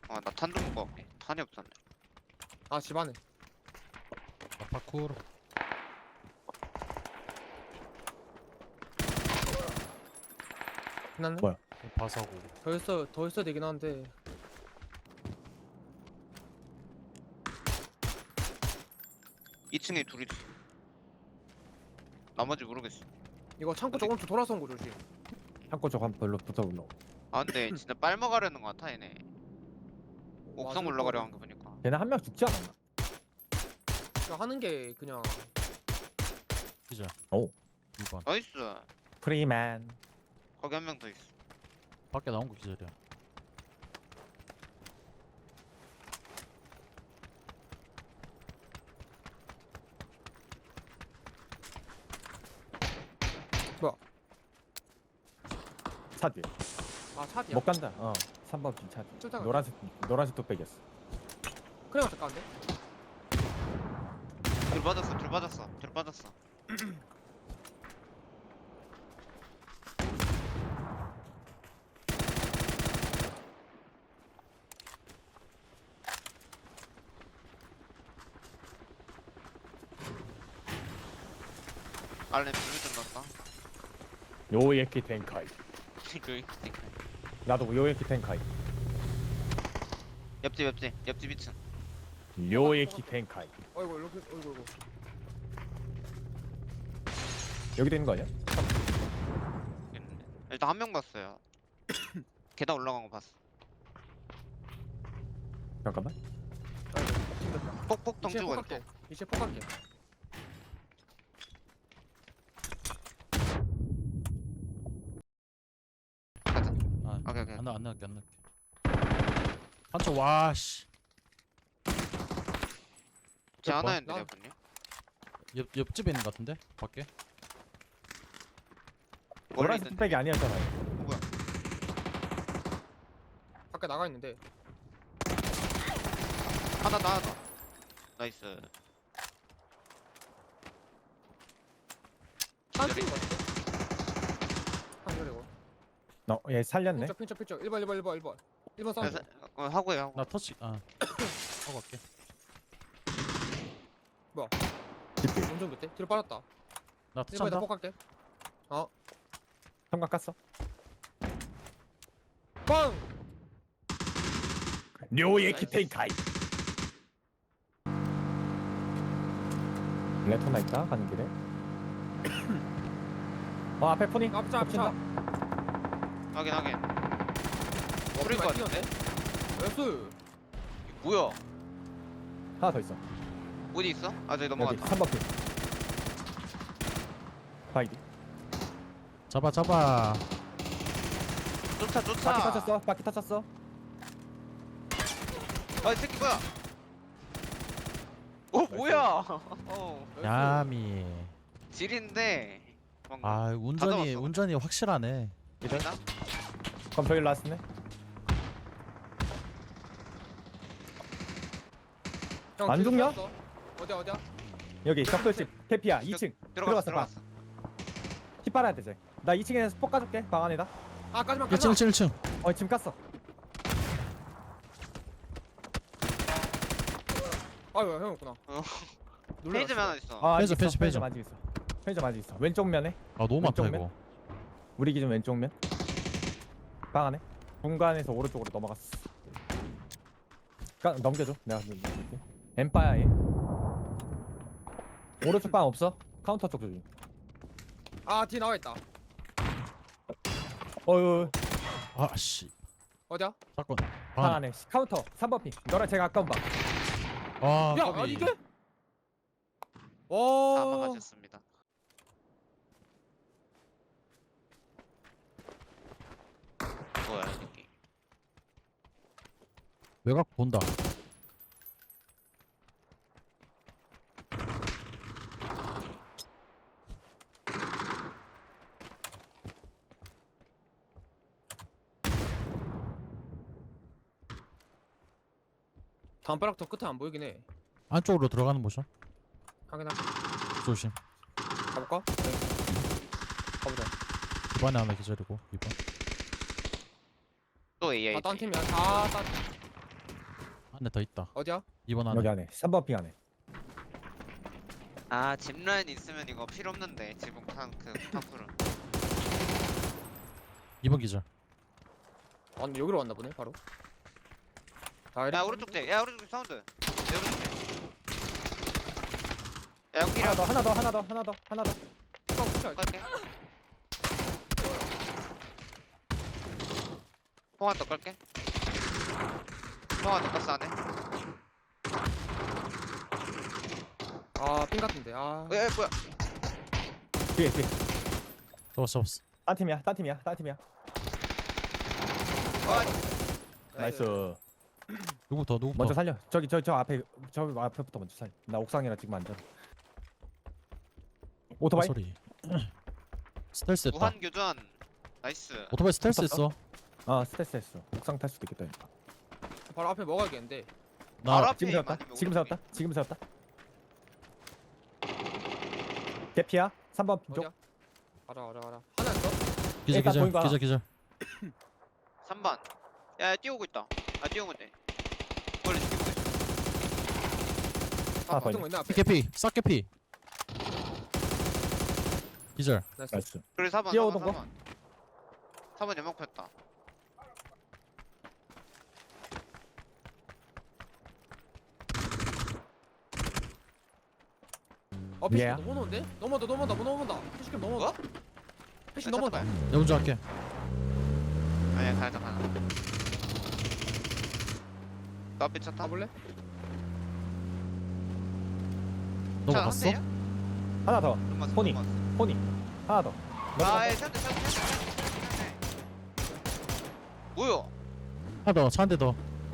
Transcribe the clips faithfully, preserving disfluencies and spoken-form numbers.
아, 나 탄 좀 먹고 갈게. 탄이 없었네. 아 집안에. 아, 파쿠르. 끝났네. 뭐야? 바사고. 더 있어 더 있어야 되긴 하는데. 이 층에 둘이 있어. 나머지 모르겠어. 이거 창고 조금 더 돌아서 온 거 조심. 창고 쪽 한 별로 붙어보려고. 아, 근데 진짜 빨먹으려는 거 같아, 얘네. 옥상 맞을 올라가려 거고. 한 거 보니까. 걔네 한 명 죽지 않았나? 그냥 하는 게 그냥 기자. 오. 이번. 나이스. 프리맨. 거기 한 명 더 있어. 밖에 나온 거 기절이야. 차 뒤에. 아 차디야. 못 간다. 어. 삼 번 빈차 뒤. 쫄딱 노란색 노란색 뚝배기였어. 그냥 잠깐데. 둘 빠졌어, 둘 빠졌어, 둘 빠졌어. 알렘 불좀 났다. 요에키 텐카이. 그 나도 요에키 텐카이. 옆집, 옆집, 옆집 이 층. 요에키 텐카이. 어이구 이렇게 어이구 어이구. 여기 되는 거 아니야? 있는데. 일단 한 명 봤어요. 계단 올라간 거 봤어. 잠깐만. 폭폭 이제 덩치고 폭갈게. 있고. 이제 폭갈게. 가자. 아, 오케이, 오케이. 안 나, 안 나갈게, 안 나갈게. 한쪽 와, 씨. 제 몇 번? 하나였는데, 나- 여분요? 옆 옆집에 있는 거 같은데? 밖에? 원래 노란색 있던 뚝배기 아니었잖아요. 뭐야? 밖에 나가 있는데. 하나 더, 하나 더. 나이스. 한 기절이. 팀인 거 같아. 한 그리고. 너, 얘 살렸네. pin쳐 pin쳐 pin쳐. 일 번 일 번 일 번 일 번. 일 번 싸움. 그래서 어, 하고요, 하고. 나 터치. 아. 하고 갈게. 집뒤. 운전 밑에. 뒤로 빠졌다. 나 일 터치 번에다 한다. 폭갈게. 삼각 깠어. 빵. 요에키 텐카이. 레토나 있다 가는 길에. 어 앞에 포니. 앞차 앞차. 확인, 확인. 어, 풀릴 것 많이 같은데? 나이스. 이거 뭐야? 하나 더 있어. 어디 있어? 아, 저기 여기 넘어갔다. 삼 번 핀. 바이디. 잡아, 잡아. 쫓아, 쫓아. 바퀴 터쳤어. 바퀴 터쳤어. 아, 이 새끼 뭐야? 어, 뭐야? 어, 나이스. 야미. 질인데. 방금. 아, 운전이 잡았어. 운전이 확실하네. 이래? 있나? 그럼 저기 라스네. 형, 안 뒤로 죽냐? 뺐어. 어디야 어디야? 여기 벽돌집 캐피야 이 층. 들어갔어, 들어갔어, 봐. 들어갔어. 피 빨아야 돼 쟤. 나 이 층에서 폭 까줄게. 방 안에다. 아 까지마 일 층, 까지마. 일 층, 일 층. 어 지금 깠어. 아유 형이었구나. 어. 놀라웠어. 페이지면 하나 있어. 아 편의점, 아직 있어. 편의점, 편의점 아직 있어. 편의점 아직 있어. 왼쪽 면에. 아, 너무 많다 왼쪽 이거. 우리 기준 왼쪽 면. 방 안에. 공간에서 오른쪽으로 넘어갔어. 까, 넘겨줘. 내가 넘길게. 엠파야 얘. 오른쪽 방 없어? 카운터 쪽 조심. 아뒤 나와 있다. 어유 아, 씨. 어디야? 사건. 방 방. 안에 카운터 삼 번 핀. 너랑 제가 가까운 방. 아, 야 까비. 아니 이게? 다 와. 막아줬습니다. 뭐야, 이 새끼. 외곽 본다. 담벼락 더 끝에 안 보이긴 해. 안쪽으로 들어가는 모션. 확인할게. 조심. 가볼까? 네. 가보자. 이번에 하나 기절이고 이번. 또 에이아이. 아, 딴 팀이야. 아, 딴. 한 대 더 있다. 어디야? 이번 안에. 여기 안에 삼 번 핑 안에. 아 짚라인 있으면 이거 필요 없는데 지붕 탄그 탑풀은. 이번 기절. 아 근데 여기로 왔나 보네 바로. 다 야 오른쪽 대. 야 오른쪽 사운드. 야 오른쪽 대. 야 연기라. 하나 더 하나 더 하나 더 하나 더 하나 더. 깔게. 통화 더 깔게. 통화 더 깠어 안에. 아핀 같은데. 아. 에 뭐야? 뒤에 뒤에. 잡았어 잡았어. 딴 팀이야 딴 팀이야 딴 팀이야. 아, 나이스. 누구부터 누구부터? 먼저 살려. 저기 저 저 앞에 저 앞에부터 먼저 살려. 나 옥상이라 지금 앉아. 어, 오토바이. 소리. 스텔스 했다. 무한 교전. 나이스. 오토바이 스텔스 붙었어? 했어. 아 스트레스 했어. 옥상 탈 수도 있겠다. 바로 앞에 먹어야겠는데. 바로 나 앞에 지금 세웠다. 아니면 지금 오른쪽에? 세웠다. 지금 세웠다. 개피야. 삼 번 쪽. 어디야? 가자 가자 가자. 하나 있어? 기절 일단 기절 보인 거야. 기절 기절. 삼 번. 야, 야 뛰어오고 있다. 아 뛰어오면 돼. 원래 죽이고 있어. 아, 아 보이네. 박정 있네 앞에. 피케피 싹 개피. 기절. 나이스. 나이스. 그래 사 번. 뛰어오던 사 거? 번. 사 번 연막 폈다. 어 피시 얘야. 넘어오는데? 넘어온다 넘어온다 뭐 넘어온다. 피시캠 넘어온다. 피시 넘어온다. 내가 먼저 할게. 아니야 가자 가자. 너 앞에 차 타? 가볼래? 넘어갔어? 하나 더. 포니. 포니. 포니. 하나 더. 아, 샌드 샌드 샌드 샌드. 뭐야? 하나 더. 차 한 대 더.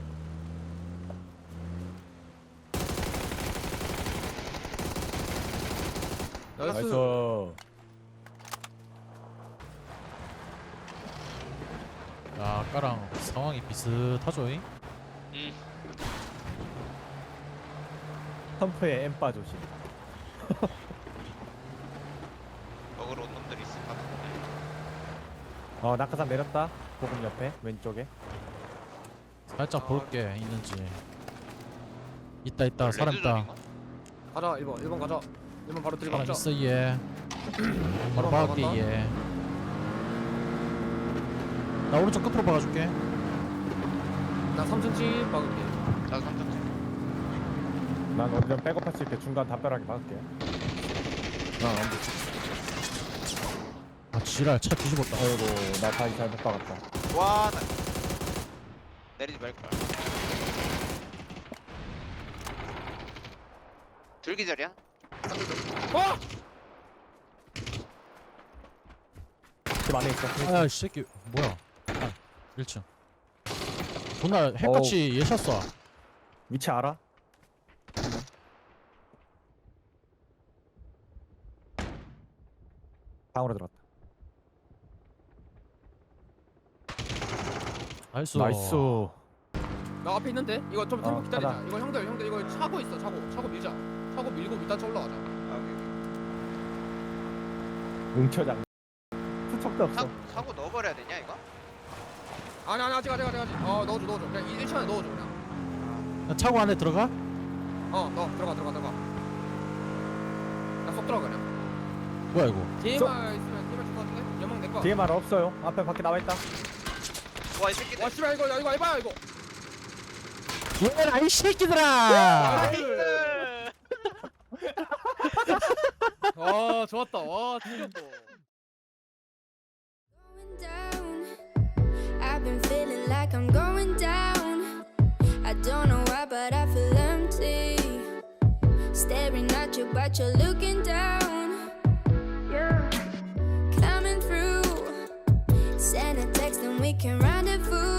나이스. 나이스. 야 아까랑 상황이 비슷하죠? 잉? 응. 펌프에 엠빠 조심. 먹으러 온 놈들이 있을 것 같은데. 어 낙하산 내렸다. 보금 옆에 왼쪽에. 살짝 아. 볼게 있는지. 있다 있다 사람 있다. 레드존인가? 가자 일 번 일 번 가자. 일 번 바로 사람 들어가자. 있어 얘. 바로 바로 박을게 박았다. 얘. 나 오른쪽 끝으로 박아줄게. 나 삼 층집 박을게. 나도 삼 점. 난 완전 백업했을 때 중간 담벼락에 박을게. 아 안돼. 아 지랄 차 뒤집었다. 아이고 나 다시 잘못 박았다. 와, 나 내리지 말 걸. 둘기절이야? 어! 집 안에 있어. 아이 새끼 뭐야? 아, 일 층. 존나 핵같이 예샷 쏴. 위치 알아? 방으로 들어갔다. 나이스. 나이스. 나 앞에 있는데? 이거 좀 템포 어, 기다리자. 가자. 이거 형들 형들 이거 차고 있어 차고. 차고 밀자. 차고 밀고 밑단차 올라가자. 아, 여기, 여기. 응처장. 수척도 없어. 사, 사고 넣어버려야 되냐 이거? 아니 아니 아직 아직 아직 아직. 어 넣어줘 넣어줘. 그냥 일 층 안에 넣어줘 그냥. 야, 차고 안에 들어가? 어 넣어 들어가 들어가 들어가. 나쏙 들어가 그냥. 뭐야 이거? 디엠알 있으면 디엠알 줄것 같은데? 연막 내 거. 뒤에 말 없어요. 앞에 밖에 나와 있다. 와 이 새끼들. 와 씨발 이거 야, 이거 해봐요 이거. 얘라 이 새끼들아! 나이스. 아 좋았다. 와 진짜. Going down. I've been feeling like I'm going down. I don't know why, but I feel empty. Staring at you, but you're looking down. Yeah. Coming through. Send a text and we can rendezvous.